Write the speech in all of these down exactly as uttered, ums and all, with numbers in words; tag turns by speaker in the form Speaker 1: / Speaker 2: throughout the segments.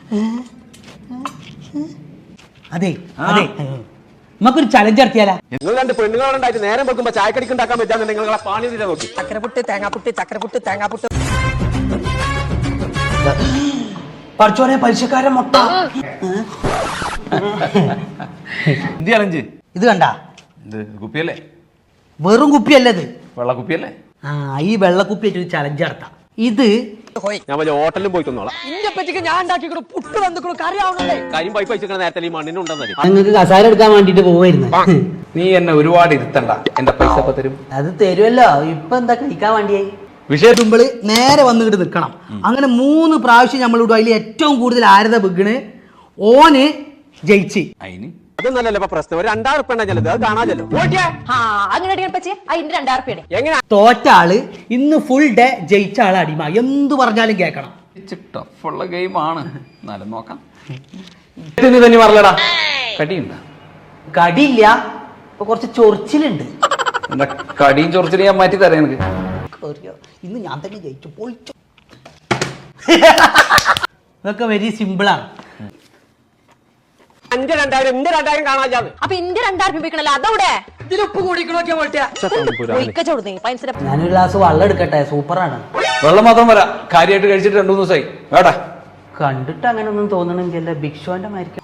Speaker 1: അതെ അതെ നമുക്കൊരു ചലഞ്ച് നടത്തിയാലാ?
Speaker 2: നിങ്ങൾ രണ്ട് പെണ്ണുങ്ങളുണ്ടായിട്ട് നേരം വെക്കുമ്പോ ചായക്കടിക്ക് ഉണ്ടാക്കാൻ പറ്റാന്ന് നിങ്ങളെ പാണി തീരെ നോക്കി.
Speaker 3: ചക്കരപുട്ട് തേങ്ങാപ്പുട്ട് ചക്കരപുട്ട് തേങ്ങാപ്പുട്ട്.
Speaker 1: പഠിച്ചോനെ പലിശക്കാരൻ മുട്ട.
Speaker 2: എന്ത് ചലഞ്ച്?
Speaker 1: ഇത് കണ്ട
Speaker 2: ഇത് കുപ്പിയല്ലേ?
Speaker 1: വെറും കുപ്പിയല്ലത്,
Speaker 2: വെള്ള കുപ്പിയല്ലേ?
Speaker 1: ആ ഈ വെള്ളക്കുപ്പി ആയിട്ട് ചലഞ്ച് നടത്താം. ഇത്
Speaker 2: ഞാൻ വലിയ ഹോട്ടലിൽ പോയി തന്നോളാം.
Speaker 3: ഇന്റെ പറ്റിക്ക് ഞാൻ ഉണ്ടാക്കിക്കണു പുട്ട് വന്നിക്കണു കറി ആവണല്ലേ.
Speaker 2: കാര്യം പൈപ്പ് വെച്ചിരിക്കണ നേരത്തെ ഈ മണ്ണിനുണ്ടെന്നല്ലേ.
Speaker 1: നിങ്ങൾക്ക് കസാര എടുക്കാൻ വേണ്ടിട്ട് പോവായിരുന്നു.
Speaker 2: നീ എന്നെ ഒരുപാട് ഇരുത്തണ്ട, എന്റെ പൈസ ഇപ്പൊ തരും.
Speaker 1: അത് തരുമല്ലോ. ഇപ്പൊ എന്താ കഴിക്കാൻ വേണ്ടിയായി?
Speaker 2: വിഷയം
Speaker 1: തുമ്പിള് നേരെ വന്നിട്ട് നിൽക്കണം. അങ്ങനെ മൂന്ന് പ്രാവശ്യം നമ്മളിടും. അതിൽ ഏറ്റവും കൂടുതൽ ആരത ബിഗണ് ഓന് ജയിച്ച്.
Speaker 2: അതിന് അതൊന്നല്ലല്ലോ ഇപ്പൊ പ്രശ്നം. ഒരു രണ്ടായിരം ഉറുപ്പ ഉണ്ടെങ്കിൽ അത് കാണാമല്ലോ. എങ്ങനെ
Speaker 1: തോറ്റ ആള് ഇന്ന് ഫുൾ ഡേ ജയിച്ച ആള് അടിമ. എന്ത് പറഞ്ഞാലും കേൾക്കണം.
Speaker 2: ടഫുള്ള ഗെയിമാണ്. എന്നാലും നോക്കാം. തന്നെ പറഞ്ഞടാ, കടിയുണ്ടോ?
Speaker 1: കടിയില്ല, ഇപ്പൊ കുറച്ച് ചൊറിച്ചിലുണ്ട്.
Speaker 2: എന്താ കടിയും ചൊറിച്ചിലും ഞാൻ മാറ്റി തരാം എനിക്ക്.
Speaker 1: ഇന്ന് ഞാൻ തന്നെ ജയിച്ചു പോയിച്ചു. ഇതൊക്കെ വെരി സിമ്പിളാണ്.
Speaker 2: അഞ്ച് രണ്ടായിരം എന്റെ രണ്ടായിരം കാണാൻ.
Speaker 3: അപ്പൊ ഇന്റെ രണ്ടായിരം രൂപ അതവിടെ ഇതിലുപ്പ് കൂടിക്കണോക്കിയാ
Speaker 1: ഞാനൊരു ഗ്ലാസ് വെള്ളം എടുക്കട്ടെ. സൂപ്പറാണ്.
Speaker 2: വെള്ളം മാത്രം വരാം. കാര്യമായിട്ട് കഴിച്ചിട്ട് രണ്ടു മൂന്ന് ദിവസമായി. വേടാ
Speaker 1: കണ്ടിട്ട് അങ്ങനെ ഒന്നും തോന്നണമെങ്കിൽ ബിഗ് ഷോന്റെ മാരിക്കും.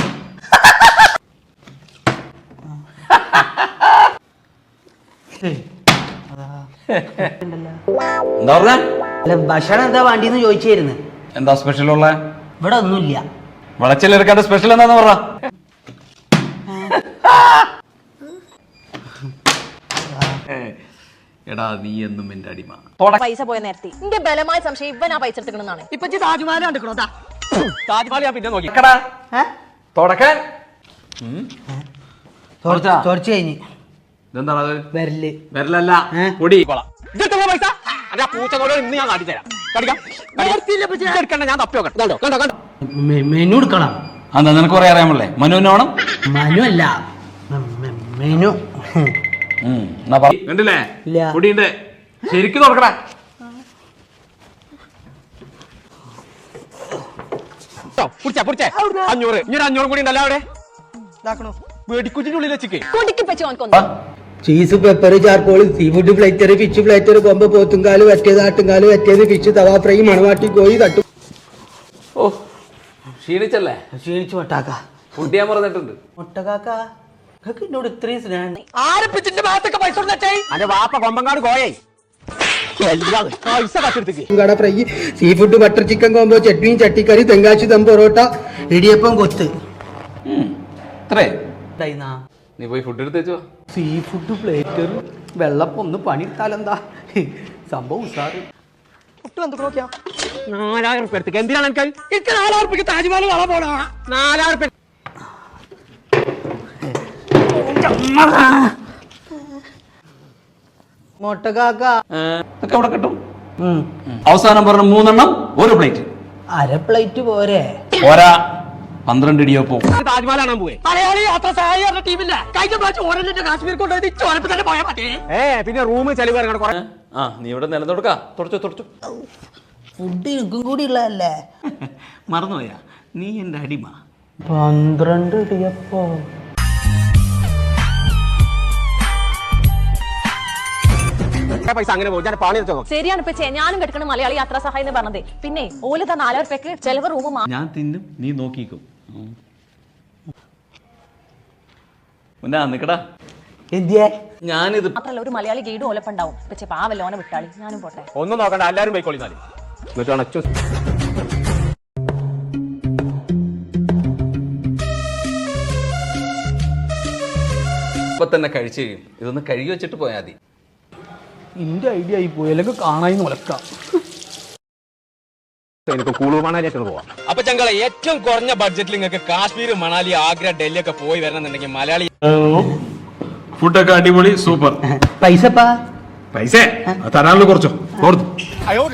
Speaker 2: എന്താ പറഞ്ഞ?
Speaker 1: അല്ല ഭക്ഷണം എന്താ വേണ്ടിന്ന് ചോദിച്ചായിരുന്നു.
Speaker 2: എന്താ സ്പെഷ്യൽ ഉള്ള?
Speaker 1: ഇവിടെ ഒന്നുമില്ല.
Speaker 2: വിളച്ചിലെടുക്കാണ്ട് സ്പെഷ്യൽ എന്താന്ന് പറ. എടാ നീ എന്നും എന്റെ അടിമ.
Speaker 3: പൈസ പോയ നേരത്തെ എന്റെ ബലമായ സംശയം ഇവൻ ആ പൈസ എടുക്കണമെന്നാണ്. ഇപ്പൊ താജ്മഹൽ കണ്ടിക്കണോ?
Speaker 2: താജ്മഹൽ ഞാൻ പിന്നെ നോക്കി തുടക്കാൻ.
Speaker 1: ചോർച്ച കഴിഞ്ഞ്
Speaker 2: ഇതെന്താണത്?
Speaker 1: വരല്
Speaker 2: വരലല്ല, പൊടി. പൈസ പൂച്ചോട് ഇന്ന് ഞാൻ കാട്ടിത്തരാം. ഞാൻ തപ്പി നോക്കണം.
Speaker 1: മെനു എടുക്കണം.
Speaker 2: എന്താ നിനക്ക് കുറെ അറിയാമല്ലേ? മനുവിന് വേണം.
Speaker 1: മനു അല്ല മെനു.
Speaker 2: കണ്ടില്ലേ പൊടിയുണ്ട്. ശരിക്കും തുറക്കടാ. അഞ്ഞൂറ് ഇനി ഒരു അഞ്ഞൂറും കൂടി ഉണ്ടല്ലോ അവിടെ. വെടിക്കുറ്റിന്റെ ഉള്ളിൽ വെച്ചിക്ക്
Speaker 1: cheese, pepper, charcoal, seafood platter, fish platter, കൊമ്പ്, പോത്തുംകാല് വറ്റിയത്, ആട്ടുംകാല് വറ്റിയത്, ഫിഷ്, തവ ഫ്രൈ, മണവാട്ടി കോഴി, തട്ടു.
Speaker 2: ഓ ക്ഷീണിച്ചല്ലേ?
Speaker 1: ക്ഷീണിച്ചു മൊട്ടാക്ക.
Speaker 2: ഫുഡ് ഞാൻ പറഞ്ഞിട്ടുണ്ട്.
Speaker 1: മൊട്ടക്കാക്ക എന്നോട് ഇത്രയും സ്നേഹം.
Speaker 3: ആരപ്പിച്ചിന്റെ ഭാഗത്തൊക്കെ പൈസ
Speaker 2: അന്റെ വാപ്പ കൊമ്പങ്കാട് കോയേ
Speaker 1: കട fry, seafood, butter chicken combo, ചട്നിയും ചട്ടിക്കറി, തെങ്കാശി ദം പൊറോട്ട, ഇടിയപ്പം, കൊത്ത്.
Speaker 2: നീ പോയി ഫുഡ് എടുത്ത് വെച്ചോ.
Speaker 1: സീ ഫുഡ് പ്ലേറ്റർ, വെള്ളപ്പം. ഒന്ന് പണിയെടുത്താലെന്താ സംഭവം ഉസാറ്.
Speaker 2: നാലായിരം ഉറുപ്പ എടുത്തേക്ക്. എന്തിനാണ് എനിക്ക്
Speaker 3: എനിക്ക് നാലായിരം ഉറുപ്പിക്ക് താജ്മഹൽ കാണാൻ പോണ.
Speaker 2: നാലായിരം ഉറുപ്പ
Speaker 1: മൊട്ടക്കാക്ക
Speaker 2: ഇതൊക്കെ അവിടെ കിട്ടും. അവസാനം പറഞ്ഞ മൂന്നെണ്ണം ഒരു പ്ലേറ്റ്.
Speaker 1: അര പ്ലേറ്റ് പോരെ?
Speaker 2: പോരാ, പന്ത്രണ്ട് ഇടിയപ്പോ.
Speaker 3: താജ്മഹൽ കാണാൻ പോയി. മലയാളി യാത്ര സഹായിക്കുന്ന ടീമില്ല. കഴിഞ്ഞ പ്രാവശ്യം ഓരോ കാശ്മീർ കൊണ്ടുപോയി ചോരപ്പ് തന്നെ പോയാൽ മതി.
Speaker 2: ഏ പിന്നെ റൂം ചെലവ് ഇറങ്ങണം. ആ നീ ഇവിടെ നിലം തുടക്കാ. തുടച്ചോ തുടച്ചോ.
Speaker 1: ഫുഡ് എനിക്കും കൂടി ഉള്ളതല്ലേ.
Speaker 2: മറന്നുപോയാ? നീ എന്റെ അടിമ.
Speaker 1: പന്ത്രണ്ട് ഇടിയപ്പോ.
Speaker 2: പൈസ അങ്ങനെ പോകും. ഞാൻ പാണി വെച്ചോ.
Speaker 3: ശരിയാണ് ഇപ്പൊ ഞാനും കെടുക്കണം മലയാളി യാത്രാ സഹായം എന്ന് പറഞ്ഞത്. പിന്നെ ഓല് തന്നെ നാലായിരം രൂപയ്ക്ക് ചെലവ് റൂം.
Speaker 2: ഞാൻ തിന്നും, നീ നോക്കിക്കും. നിക്കടാ. ഞാനിത്
Speaker 3: മാത്രല്ല ഒരു മലയാളി ഗൈഡും ഓലപ്പുണ്ടാവും. പക്ഷെ പാവല്ലോനെ വിട്ടാളി. ഞാനും പോട്ടെ.
Speaker 2: ഒന്നും നോക്കണ്ട, എല്ലാരും പോയിക്കോളിന്നാല്. ഇപ്പൊ തന്നെ കഴിച്ചു കഴിയും. ഇതൊന്ന് കഴുകി വെച്ചിട്ട് പോയാൽ മതി.
Speaker 1: എന്റെ ഐഡിയ ആയി പോയി. അല്ലെങ്കിൽ കാണാൻ മുലക്കാം.
Speaker 2: എനിക്ക് കുളു മണാലിയൊക്കെ പോവാം. അപ്പൊ ചങ്കളെ ഏറ്റവും കുറഞ്ഞ ബഡ്ജറ്റിൽ നിങ്ങൾക്ക് കാശ്മീർ, മണാലി, ആഗ്ര, ഡൽഹി ഒക്കെ പോയി വരണമെന്നുണ്ടെങ്കിൽ മലയാളി ഫുഡൊക്കെ അടിപൊളി, സൂപ്പർ.
Speaker 1: പൈസ
Speaker 2: പൈസ തരാനുള്ള കുറച്ചോ.